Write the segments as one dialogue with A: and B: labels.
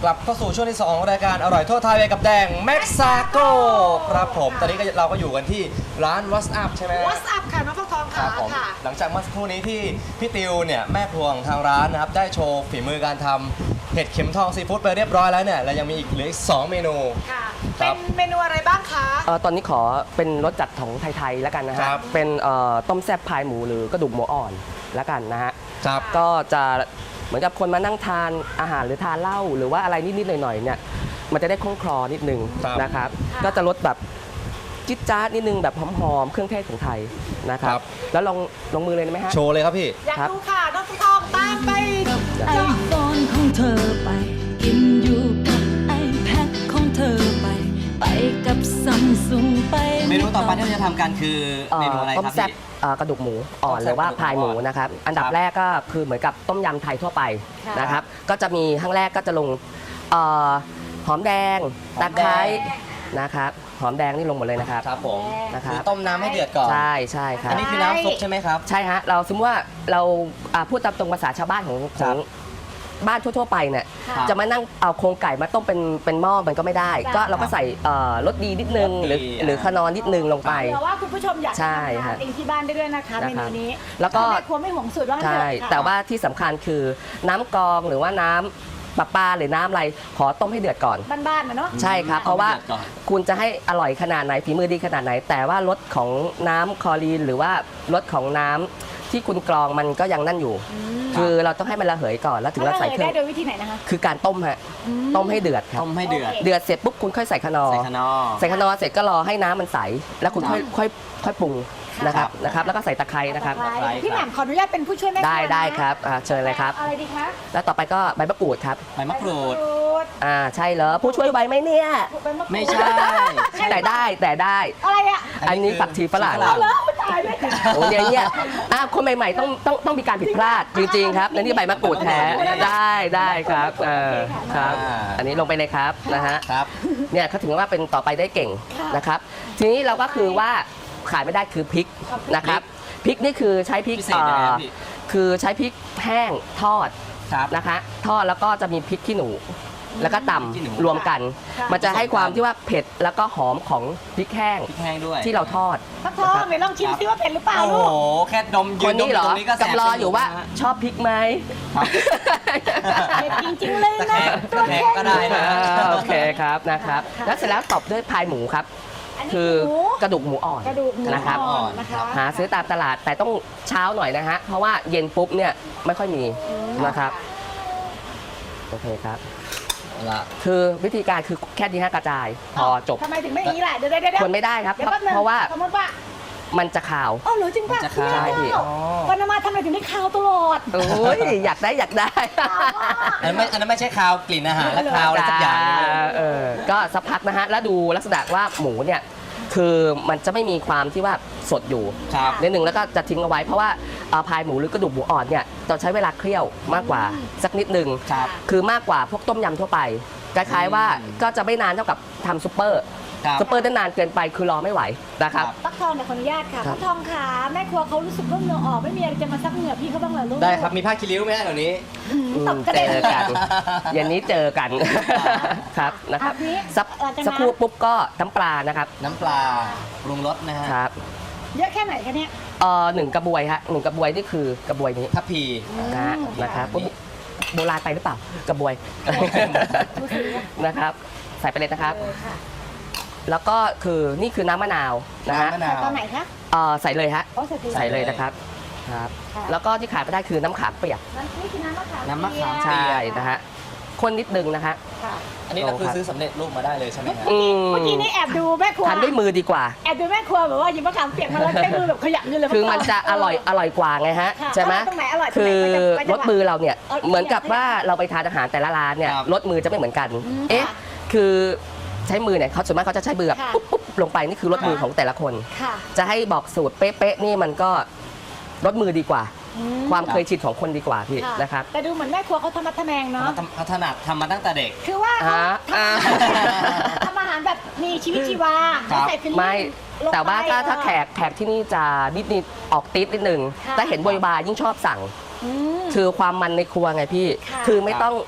A: ลับเข้าสู่ช่วงที่2ของรายการอร่อยทั่วไทยไปกับแดงแม็กซาโกครับผมตอนนี้เราก็อยู่กันที่ร้าน What's Up ใช่ไหม
B: What's Up ค่ะน้องฟักทอง
A: ครั
B: ค่ะ
A: บผม
B: ค่ะ
A: หลังจากเมื่อสักครู่นี้ที่พี่ติวเนี่ยแม่ครัวของทางร้านนะครับได้โชว์ฝีมือการทำเห็ดเข็มทองซีฟู้ดไปเรียบร้อยแล้วเนี่ยเรายังมีอีกเหลืออีก2เมนู
B: ค่ะ
A: ครั
B: เป็
A: บ
B: นเมนูอะไรบ้างคะ
C: ตอนนี้ขอเป็นรสจัดของไทยๆแล้วกันนะฮะ
A: ครับ
C: เป็นต้มแซ่บพายหมูหรือกระดูกหมูอ่อนแล้วกันนะฮะ
A: ครับ
C: ก็จะเหมือนกับคนมานั่งทานอาหารหรือทานเหล้าหรือว่าอะไรนิดๆหน่อยๆเนี่ยมันจะได้คล่องคลอนิดนึง
A: ครับ
C: นะครับ ก็จะรสแบบจิ๊ดจ๊าดนิดนึงแบบหอมๆเครื่องเทศของไทยนะครับ
A: ครับ
C: แล้วลงมือเลยได้ไหมฮะ
A: โชว์เลยครับพี่
B: อยาก
C: ครับ
B: ดูค่ะน้องฟักทองตามไป
D: ไอโฟนของเธอไป กินอยู่กับไอแพดของเธอไป ไปกับซัมซุงไป
A: เมนูต่อไปที่เราจะทำกันคือเมนูอะไร
C: ต้ม
A: ครับ
C: แซ่บ
A: พี่
C: กระดูกหมูอ่อน
A: ต้มแซ่บ
C: หรือว่าก
A: ระดูกหมู
C: พายหมู
A: อ่อน
C: นะครับอันดับ
A: ครับ
C: แรกก็คือเหมือนกับต้มยำไทยทั่วไป
B: ค่ะ
C: นะครับก็จะมีข้างแรกก็จะลงเอ่อหอมแดงตะไคร้นะครับหอมแดงนี่ลงหมดเลยนะครับ
A: ครับผม
C: นะครับ
A: คือต้มน้ำให้เดือดก่อน
C: ใช่ครั
A: อั
C: บ
A: นนี้คือน้ำซุปใช่ไหมครับ
C: ใช่ฮะเราสมมติว่าเราพูดตามตรงภาษาชาวบ้านของ
A: ครับ
C: บ้านทั่วๆไปเนี่ย
B: ค่ะ
C: จะมานั่งเอาโครงไก่มาต้มเป็นหม้อมันก็ไม่ได้
B: ค่ะ
C: ก็เราก็ใส่รสดีนิดนึง
A: รสดี
C: หรือขนอนนิดนึงลงไป
B: เผื่อว่าคุณผู้ชมอยากจะ
C: ใช่
B: ทำทา
C: ฮะ
B: นเองที่บ้านได้ด้วยนะคะ
C: นะ
B: เม
C: ครั
B: นู
C: บ
B: นี้
C: แล้วก็
B: แม่ครัวไม่ห่วงสูตรว่างั้น
C: ใช่
B: เถอะค่ะ
C: แต่ว่าที่สำคัญคือน้ำกรองหรือว่าน้ำประปาหรือน้ำอะไรขอต้มให้เดือดก่อน
B: บ้านๆนะเนาะ
C: ใช่ครับ เพราะว่า
A: ต้มให้เดือดก่อน
C: คุณจะให้อร่อยขนาดไหนฝีมือดีขนาดไหน แต่ว่ารสของน้ำคลอรีนหรือว่ารสของน้ำที่คุณกรองมันก็ยังนั่นอยู่ คือเราต้องให้มันระเหยก่อนแล้วถึง
B: แล้ว
C: เรา
B: เรา
C: ใส่เครื่
B: ได้
C: อง
B: โดยวิธีไหนนะคะ
C: คือการต้มฮะต้มให้เดือดครับ
A: ต้มให้เดือด
B: โอเค
C: เดือดเสร็จปุ๊บคุณค่อยใส่ขนอ
A: ใส่ขนอ
C: ใส่ขนอเสร็จก็รอให้น้ำมันใสแล้วคุณ
A: ครับ
C: ค่อยปรุงนะครับ
A: ครับ
C: นะครับ แล้วก็ใส่ตะไคร้นะครับ
B: ตะไคร้
A: ครับ
B: พี่แหม่มขออนุญาตเป็นผู้ช่วยแม่ครัว
C: ได้
B: นะ
C: ได้ครับเชิญเลยครับ
B: อะไรดีคะ
C: แล้วต่อไปก็ใบมะกรูดครับ
A: ใบมะกรูด
B: ด
C: ใช่เหรอผู้ช่วยใบไหมเนี่ย
B: ใบมะกรูด
A: ไม่ใช่
C: แต่ได้
B: อะไรอ่ะ
C: อันนี้ผักชีฝรั่ง
A: ชีฝรั่ง
B: เหรอตายเลย
C: โอ้ยเนี่ยคนใหม่ๆต้องมีการผิดพลาดจริงๆครับและนี่ใบมะกรูดแท้ได้ครับครับ อันนี้ลงไปเลยครับนะฮะ
A: ครับ
C: เนี่ยเขาถึงว่าเป็นต่อไปได้เก่งนะครับ ทีนี้เราก็คือว่าขาดไม่ได้คือพริกนะครับพริกนี่คือใช้พริก
A: พิเศษยังไงครับพี่
C: คือใช้พริกแห้งทอด
A: ครับ
C: นะคะทอดแล้วก็จะมีพริกขี้หนู แล้วก็ต
A: ขี้หนู
C: ำรวมกัน
B: ค่ะ
C: มันจะให้ความที่ว่าเผ็ดแล้วก็หอมของพริกแห้ง
A: พริกแห้งด้วย
C: ที่เราทอด
B: ฟักทองไหนลองชิมซิว่าเผ็ดหรือเปล่า
A: โอ้
B: ลู
A: โห
B: ก
A: แค่ดมยื
C: คน
A: นดม
C: นี้เหรอ
A: ตรงนี้ก็แสบ
C: กำลังอยู่ว่า
A: จมูกนะฮะ
C: ชอบพริกไหม
A: ครับ
B: เผ็ดจริงๆเลยนะ
A: ตะแคงก็ได้นะ
C: โอเคครับนะครับ แล้วเสร็จแล้วตบด้วยพายหมูครับ
B: อันนี้
C: คื
B: คือ อหมู
C: กระดูกหมูอ่อน
B: กระดูกหมู
C: นะครับ
B: อ่อนนะคะ
C: หาซื้อตามตลาดแต่ต้องเช้าหน่อยนะฮะเพราะว่าเย็นปุ๊บเนี่ยไม่ค่อยมีนะครับโอเคครับ
A: เอาละ
C: คือวิธีการคือแค่นี้ฮะกระจายพอจบ
B: ทำไมถึงไม่อย่างนี้ล่ะเดี๋ยว
C: คนไม่ได้ครับ
B: เดี๋ยวแป๊บนึง
C: เพราะว่า
B: สมมติว่า
C: มันจะขาว
B: อ๋อเหรือจริงป่ะ
A: มันจะ
B: คือ
A: คาย
B: ไม่
C: พี่
B: เข้าวันนามาทำไมถึงได้ข่าวตลอด
C: โอ้ยอยากได้
A: อันนั้นไม่ใช่คาวกลิ่นอาหารและคาวอะไรสักอย่างหนึ่ง
C: ก็สักพักนะฮะแล้วดูลักษณะว่าหมูเนี่ยคือมันจะไม่มีความที่ว่าสดอยู่
A: ครับ
C: นิดหนึ่งแล้วก็จะทิ้งเอาไว้เพราะว่าพายหมูหรือกระดูกหมูอ่อนเนี่ยต้องใช้เวลาเคี่ยวมากกว่าสักนิดหนึ่ง
A: ครับ
C: คือมากกว่าพวกต้มยำทั่วไปคล้ายๆว่าก็จะไม่นานเท่ากับทำซุปเปอร์
A: ครับ
C: ซุปเปอร์ได้นานเกินไปคือรอไม่ไหวนะครับ
A: ครับ
B: ฟักทองเนี่ยขออนุญาตค่ะ
C: ครับ
B: ฟักทองขาแม่ครัวเขารู้สึกว่าเหงื่อออกไม่มีอะไรจะมาซักเหงื่อพี่เขาบ้างเหรอลูก
A: ได้ครับ มีผ้าคีริ้วไหมฮะแถวนี้
B: ตบกระ
C: เจ
B: เด็น
C: อกันเย็นนี้เจอกันครับนะครับ
B: อ่ะพี่
C: สัก
B: หลังจากนั้น
C: สักครู่ปุ๊บก็น้ำปลานะครับ
A: น้ำปลาปรุงรสนะฮะ
C: ครับ
B: เยอะแค่ไหนคะเนี่ย
C: หนึ่งกระบวยฮะหนึ่งกระบวยนี่คือกระบวยนี้
A: ทัพพี
C: นะครับปุ๊บโบราณไปหรือเปล่ากระบวย
B: ดูสิว่า
C: นะครับ ใส่ไปเลยนะครับ
B: ค่ะ
C: แล้วก็คือนี่คือน้ำมะนาวนะฮะ
A: น้ำมะนาว
B: ตอนไหนคะ
C: ใส่เลยฮะ
B: อ๋อใส่ที
C: ใส่เลยนะครับครับ
B: ค่ะ
C: แล้วก็ที่ขาดไม่ได้คือน้ำขามเปียก
B: นี่คือน้ำมะขาม
A: น้ำมะขาม
C: ใช่นะฮะคนนิดนึงนะฮะ
B: ค่ะ
A: อันนี้เราคือซื้อสำเร็จรูปมาได้เลยใช่ไหมฮะ
B: เมื่อกี้นี่แอบดูแม่ครัว
C: ทานด้วยมือดีกว่า
B: แอบดูแม่ครัวแบบว่าหยิบมะขามเปียกมาแล้วใช้มือแบบขยับนี่เลย
C: คือมันจะอร่อยกว่าไงฮะ
B: ค่ะ
C: ใช่ไหม
B: ตรงไหนอร่อยตรง
C: คื
B: ไหน
C: อ
B: ไปจังหวะ
C: รสมือเราเนี่ย
B: เอาอีก
C: เหมือนกับ
B: อย่าง
C: ว่าเราไปทานอาหารแต่ละร้านเนี่ย
A: ครับ
C: รสมือจะไม่เหมือนกัน
B: ม
C: เอ๊ะ
B: ค่ะ
C: คือใช้มือเนี่ยเขาส่วนมากเขาจะใช้มือแบบ
B: ค่ะ
C: ปุ๊บลงไปนี่คือรสมือของแต่ละคน
B: ค่ะ
C: จะให้บอกสูตรเป๊ะๆนี่มันก็รสมือดีกว่า
B: อืม
C: ความเคยชินของคนดีกว่าพี่
B: ค่ะ
C: นะครับ
B: แต่ดูเหมือนแม่ครัวเขาทำมัดทำแมงเนาะ
A: พัฒนาทำมาตั้งแต่เด็ก
B: คือว่าเขา
C: อ่า
B: ทำอาหารแบบมีชีวิตชีวา
A: ครับ
B: ใส่ฟิลลิ่ง
C: ไม่
B: ลงไป
C: แต่ว่าถ้าแขกที่นี่จะนิดๆออกติดนิดนึง
B: ค่ะ
C: แต่เห็นบริบายิ่งชอบสั่ง
B: อืม
C: คือความมันในครัวไงพี่
B: ค่ะ
C: คือไม่ต้อง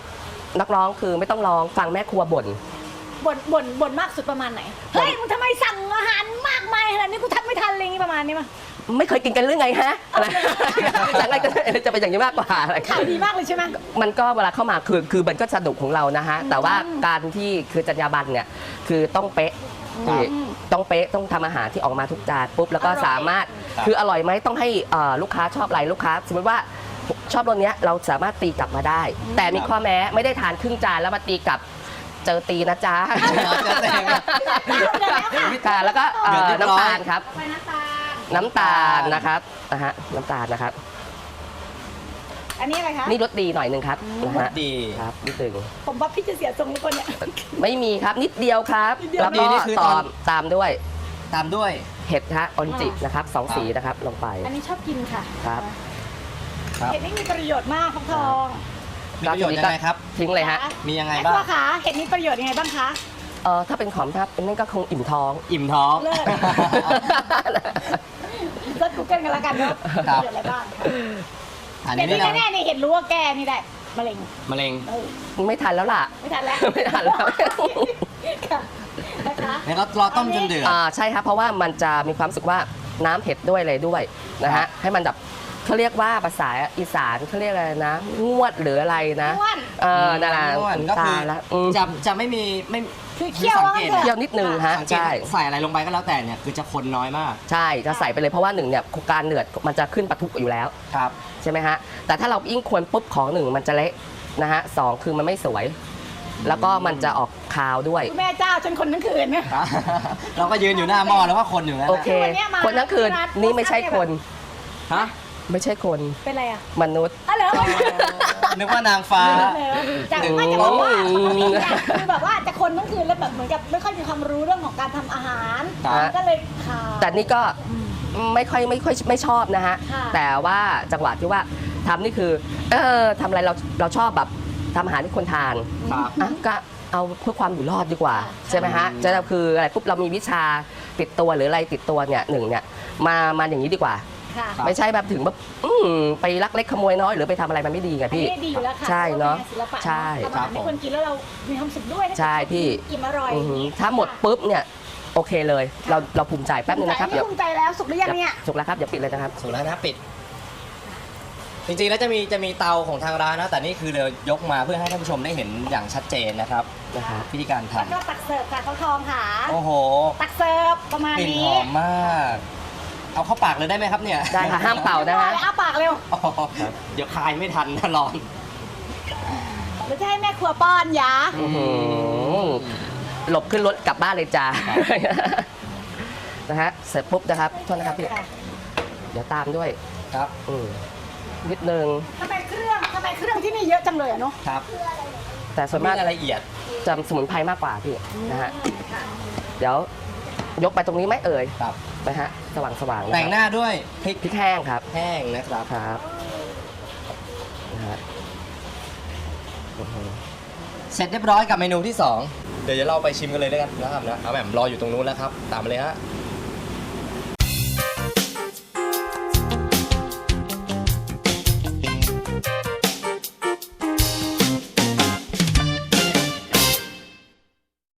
C: นักร้องคือไม่ต้องร้องฟังแม่ครัวบ่น
B: บ่นมากสุดประมาณไหน เฮ้ยมึงทำไมสั่งอาหารมากมายขนาดนี้กูทำไม่ทันอะไรอย่างงี้ประมาณนี้มั้ย
C: ไม่เคยกินกันเรื่องไงฮะอะไรหลังๆจะเป็นอย่างนี้มากกว่าอะไร
B: ขายดีมากเลยใช่ไหม
C: มันก็เวลาเข้ามาคือมันก็สนุกของเรานะฮะแต่ว่าการที่คือจรรยาบรรณเนี่ยคือต้องเป๊ะพี่ต้องเป๊ะต้องทำอาหารที่ออกมาทุกจานปุ๊บแล้วก็สามารถคืออร่อยไหมต้องให้ลูกค้าชอบอะไรลูกค้าสมมติว่าชอบรสเนี้ยเราสามารถตีกลับมาได้ แต่มีข้อแม้ไม่ได้ทานครึ่งจานแล้วมาตีกลับเจอตีนะจ๊ะค่ะแล้วก็น้ำตาลครับ
B: ไปน้ำตาล
C: น้ำตาลนะครับนะฮะน้ำตาลนะครับ
B: อันนี้อะไรคะ
C: นี่รสดีหน่อยหนึ่งครับนะฮะ
A: ดี
C: ครับนิดหนึ่ง
B: ผมว่าพี่จะเสียทรงทุกคนเนี่ย
C: ไม่มีครับนิดเดียวครับ
B: นิดเดียว
C: แล้วก็
A: นี่คือตอน
C: ตามด้วย
A: ตามด้วย
C: เห็ดฮะออริจินะครับ2 สีนะครับลงไป
B: อันนี้ชอบกินค่ะ
C: ครับ
A: ครับ
B: เห็ดนี่มีประโยชน์มากครับทอง
A: มีประโยชน์ยังไงครับ
C: ทิ้งเลยฮะ
A: มียังไง
B: แม่
A: บ้า
B: ค
A: ง
B: รัวขาเห็ดนี่ประโยชน์ยังไงบ้างคะ
C: ถ้าเป็นของทับนั่นก็คงอิ่มท้อง
A: อิ่มท้อง
B: เลิศ เลิศกูเกิลกันแล้วกันเนาะ
A: ครับ
B: ประโยชน์อะไรบ้าง
A: อัน
B: เห็
A: นี้
B: ด
A: นี่
B: นี่
A: นะ
B: แน่ๆนี่เห็ดรู้ว่าแกนี่ได้มะเร็ง
A: มะเร็ง
B: เออ
C: ไม่ทันแล้วล่ะ
B: ไม่ทันแล้ว
C: ไม่ทันแล้ว
B: ค่ะนะคะ
A: แล้วก็รอต้มจนเดือด
C: ใช่ครับเพราะว่ามันจะมีความรู้สึกว่าน้ำเผ็ดด้วยอะไรด้วยนะ
A: ครั
C: ฮะ
A: บ
C: ให้มันแบบเขาเรียกว่าภาษาอีสานเขาเรียกอะไรนะงวดหรืออะไรนะ
B: ม่วน
C: นั่นแหละ
A: ม่วนก็คือ
C: ตายละอืม
A: จะไม่มีไม่
B: คือเคี่ยว
A: สัง
B: ว่า
A: เก
B: งั้
A: ต
B: นเถอะ
C: เคี่ยวนิดนึงฮะ
A: สังเกต
C: ใช่
A: ใส่อะไรลงไปก็แล้วแต่เนี่ยคือจะคนน้อยมาก
C: ใช่จะใส่ไปเลยเพราะว่าหนึ่งเนี่ยการเดือดมันจะขึ้นปะทุอยู่แล้ว
A: ครับ
C: ใช่ไหมฮะแต่ถ้าเรายิ่งควรปุ๊บของหนึ่งมันจะเละนะฮะสองคือมันไม่สวย แล้วก็มันจะออกคาวด้วย
B: คุณแม่เจ้าจนคนทั้งคืนเนี่ย
A: เราก็ยืนอยู่หน้าหม้อแล้วก็คนอยู่นั่น
C: โอ
A: แหละ
C: เค
B: วันเนี้ยมา
C: คนทั้งคืน
B: ที่ร้าน
C: นี่ไม่ใช่คน
A: ฮะ
C: ไม่ใช่คน
B: เป็นไรอ่ะ
C: มนุษย์
B: อ๋อเหรอ
A: นึกว่านางฟ้า
B: จากไม่จะบอกว่าปกติเนี่ยคือแบบว่าจะคนทั้งคืนแล้วแบบเหมือนกับไม่ค่อยมีความรู้เรื่องของการทำอาหาร
A: ครับ
B: ก็เลยขาด
C: แต่นี่ก็ไม่ค่อยไม่ชอบนะฮะ
B: ค่ะ
C: แต่ว่าจังหวะที่ว่าทำนี่คือทำอะไรเราชอบแบบทำอาหารที่คนทาน
A: ครับ
C: อ่ะก็เอาเพื่อความอยู่รอดดีกว่าใช่ไหมฮะจะคืออะไรปุ๊บเรามีวิชาติดตัวหรืออะไรติดตัวเนี่ยหนึ่งเนี่ยมาอย่างนี้ดีกว่า
B: ค่ะ
A: ครับ
C: ไม่ใช่แบบถึงแบบไปลักเล็กขโมยน้อยหรือไปทำอะไรมันไม่ดีไง
B: อัน
C: พี่
B: นี้ดีอยู่แล้วค่ะ
C: ใช่เนอะ
B: พรว่ป็งศิลปะ
C: ใช่
B: ทำอาหารให้คนกินแล้วเรามีความสุขด้วย
C: ใช่พี่
B: อิ่มอร่อย
C: อือหือถ้าหมดปุ๊บเนี่ยโอเคเลยเราภูมิใจแป๊บนึงนะครับ
B: เดี๋ยวภูมิใจแล้วสุกหรือยังเนี่ย
C: สุกแล้วครับอย่าปิดเลยนะครับ
A: สุดแล้วนะปิด จริงๆแล้วจะมีเตาของทางร้านนะ แต่นี่คือเรายกมาเพื่อให้ท่านผู้ชมได้เห็นอย่างชัดเจนนะครับ
C: นะครับ
A: วิธีการท
B: แล้วก็ตักเสิร์ฟค่ะเขาทองค่ะ
A: ำโอ้โห
B: ตักเสิร์ฟประมาณ
A: กลิ่น
B: นี้
A: หอมมาก เอาเข้าปากเลยได้ไหมครับเนี่ย
C: ได้ค่ะห้ามเป่านะฮะ
B: อ้าปากเร็ว
A: อ๋อเดี๋ยวคายไม่ทันนะร้อน
B: หรือจะให้แม่ครัวป้อนยา
C: อื้อหือหลบขึ้นรถกลับบ้านเลยจ้า นะฮะเสร็จปุ๊บนะครับโทษนะครับพี่เดี๋ยวตามด้วย
A: ครับ
C: นิดนึง
B: ทำไมเครื่องที่นี่เยอะจังเลยอะเนาะ
A: ครับ
C: แต่ส่วน
A: มี
C: มาก
A: รายละเอียด
C: จะสมุนไพรมากกว่าพี่นะฮะเดี๋ยว ยกไปตรงนี้ไหมเอ่ย
A: ครับ
C: นะฮะสว่างๆะครับ
A: แต่งหน้าด้วยพริก
C: พริกแห้งครับ
A: แห้งนะครับ
C: ครับนะฮะอื้อหือ
A: เสร็จเรียบร้อยกับเมนูที่ 2 เดี๋ยวเราไปชิมกันเลยด้วยกันนะครับนะเอาแบบรออยู่ตรงนู้นแล้วครับ ตามมาเลยฮะ